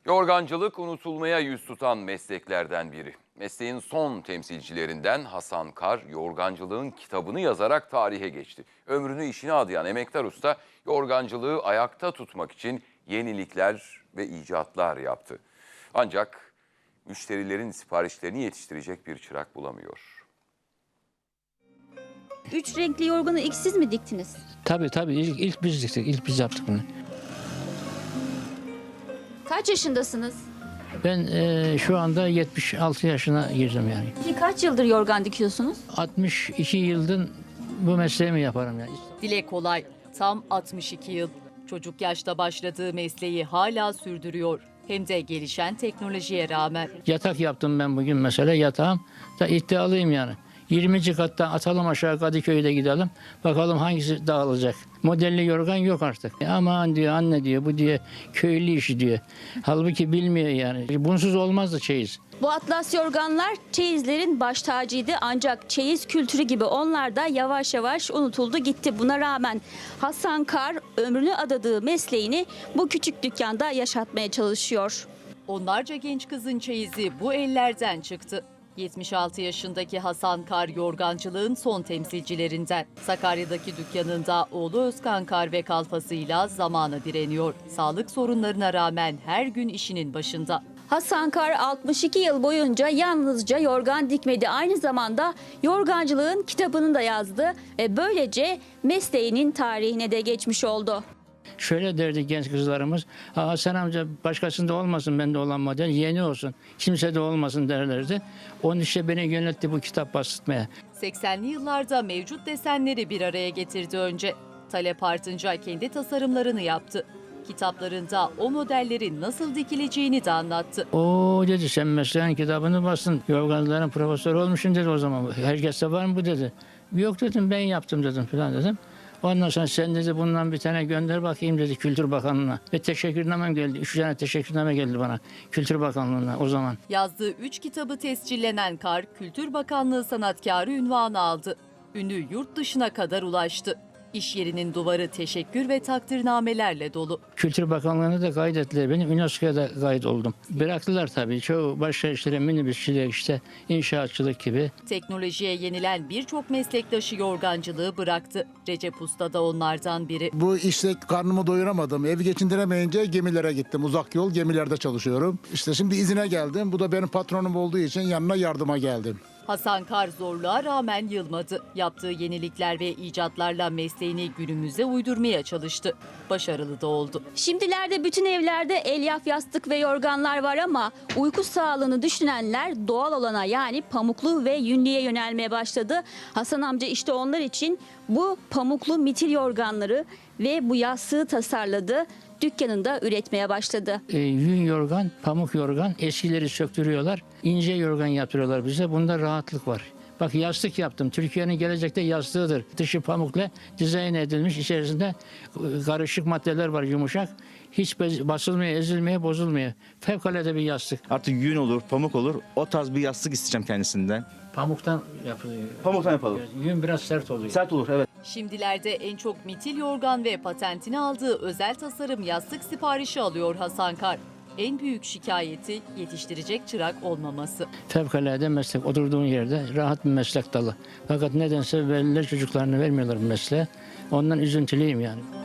Yorgancılık unutulmaya yüz tutan mesleklerden biri. Mesleğin son temsilcilerinden Hasan Kar, yorgancılığın kitabını yazarak tarihe geçti. Ömrünü işine adayan emektar usta, yorgancılığı ayakta tutmak için yenilikler ve icatlar yaptı. Ancak müşterilerin siparişlerini yetiştirecek bir çırak bulamıyor. Üç renkli yorganı ilk siz mi diktiniz? Tabii ilk biz diktik, ilk biz yaptık bunu. Kaç yaşındasınız? Ben şu anda 76 yaşına girdim yani. Peki kaç yıldır yorgan dikiyorsunuz? 62 yıldır bu mesleğimi yaparım yani. Dile kolay. Tam 62 yıl. Çocuk yaşta başladığı mesleği hala sürdürüyor. Hem de gelişen teknolojiye rağmen. Yatak yaptım ben bugün mesela, yatağım da iddialıyım yani. 20. kattan atalım aşağı Kadıköy'de gidelim. Bakalım hangisi dağılacak. Modelli yorgan yok artık. Aman diyor anne diyor, bu diye köylü işi diyor. Halbuki bilmiyor yani. Bunsuz olmazdı çeyiz. Bu atlas yorganlar çeyizlerin baş tacıydı, ancak çeyiz kültürü gibi onlar da yavaş yavaş unutuldu gitti. Buna rağmen Hasan Kar ömrünü adadığı mesleğini bu küçük dükkanda yaşatmaya çalışıyor. Onlarca genç kızın çeyizi bu ellerden çıktı. 76 yaşındaki Hasan Kar yorgancılığın son temsilcilerinden. Sakarya'daki dükkanında oğlu Özkan Kar ve kalfasıyla zamana direniyor. Sağlık sorunlarına rağmen her gün işinin başında. Hasan Kar 62 yıl boyunca yalnızca yorgan dikmedi. Aynı zamanda yorgancılığın kitabını da yazdı ve böylece mesleğinin tarihine de geçmiş oldu. Şöyle derdi genç kızlarımız, Hasan amca başkasında olmasın bende olan model, yeni olsun, kimse de olmasın derlerdi. Onun işte beni yönetti bu kitap bastırmaya. 80'li yıllarda mevcut desenleri bir araya getirdi önce. Talep artınca kendi tasarımlarını yaptı. Kitaplarında o modellerin nasıl dikileceğini de anlattı. O dedi, sen mesleğin kitabını bastın, yorgancıların profesörü olmuşsun dedi o zaman. Herkeste var mı bu dedi. Yok dedim, ben yaptım dedim falan dedim. Ondan sonra sen dedi bundan bir tane gönder bakayım dedi Kültür Bakanlığı'na. Ve teşekkürnamem geldi. 3 tane teşekkürname geldi bana Kültür Bakanlığı'na o zaman. Yazdığı 3 kitabı tescillenen Kar, Kültür Bakanlığı sanatkarı unvanı aldı. Ünü yurt dışına kadar ulaştı. İş yerinin duvarı teşekkür ve takdirnamelerle dolu. Kültür Bakanlığı'na da kaydettiler beni. UNESCO'ya da kaydoldum. Bıraktılar tabii. Çoğu başka işlere, minibüsçilik, işte inşaatçılık gibi. Teknolojiye yenilen birçok meslektaşı yorgancılığı bıraktı. Recep Usta da onlardan biri. Bu işte karnımı doyuramadım. Evi geçindiremeyince gemilere gittim. Uzak yol gemilerde çalışıyorum. İşte şimdi izine geldim. Bu da benim patronum olduğu için yanına yardıma geldim. Hasan Kar zorluğa rağmen yılmadı. Yaptığı yenilikler ve icatlarla mesleğini günümüze uydurmaya çalıştı. Başarılı da oldu. Şimdilerde bütün evlerde elyaf yastık ve yorganlar var ama uyku sağlığını düşünenler doğal olana yani pamuklu ve yünlüye yönelmeye başladı. Hasan amca işte onlar için bu pamuklu mitil yorganları ve bu yastığı tasarladı. Dükkanında üretmeye başladı. Yün yorgan, pamuk yorgan, eskileri söktürüyorlar. İnce yorgan yaptırıyorlar bize. Bunda rahatlık var. Bak yastık yaptım. Türkiye'nin gelecekte yastığıdır. Dışı pamukla dizayn edilmiş. İçerisinde karışık maddeler var, yumuşak. Hiç basılmıyor, ezilmiyor, bozulmuyor. Fevkalade bir yastık. Artık yün olur, pamuk olur. O tarz bir yastık isteyeceğim kendisinden. Pamuktan yapılıyor. Pamuktan yapalım. Yün biraz sert oluyor. Sert olur, evet. Şimdilerde en çok mitil yorgan ve patentini aldığı özel tasarım yastık siparişi alıyor Hasan Kar. En büyük şikayeti yetiştirecek çırak olmaması. Fevkalade meslek. Oturduğun yerde rahat bir meslek dalı. Fakat nedense veliler çocuklarını vermiyorlar bu mesleğe. Ondan üzüntülüyüm yani.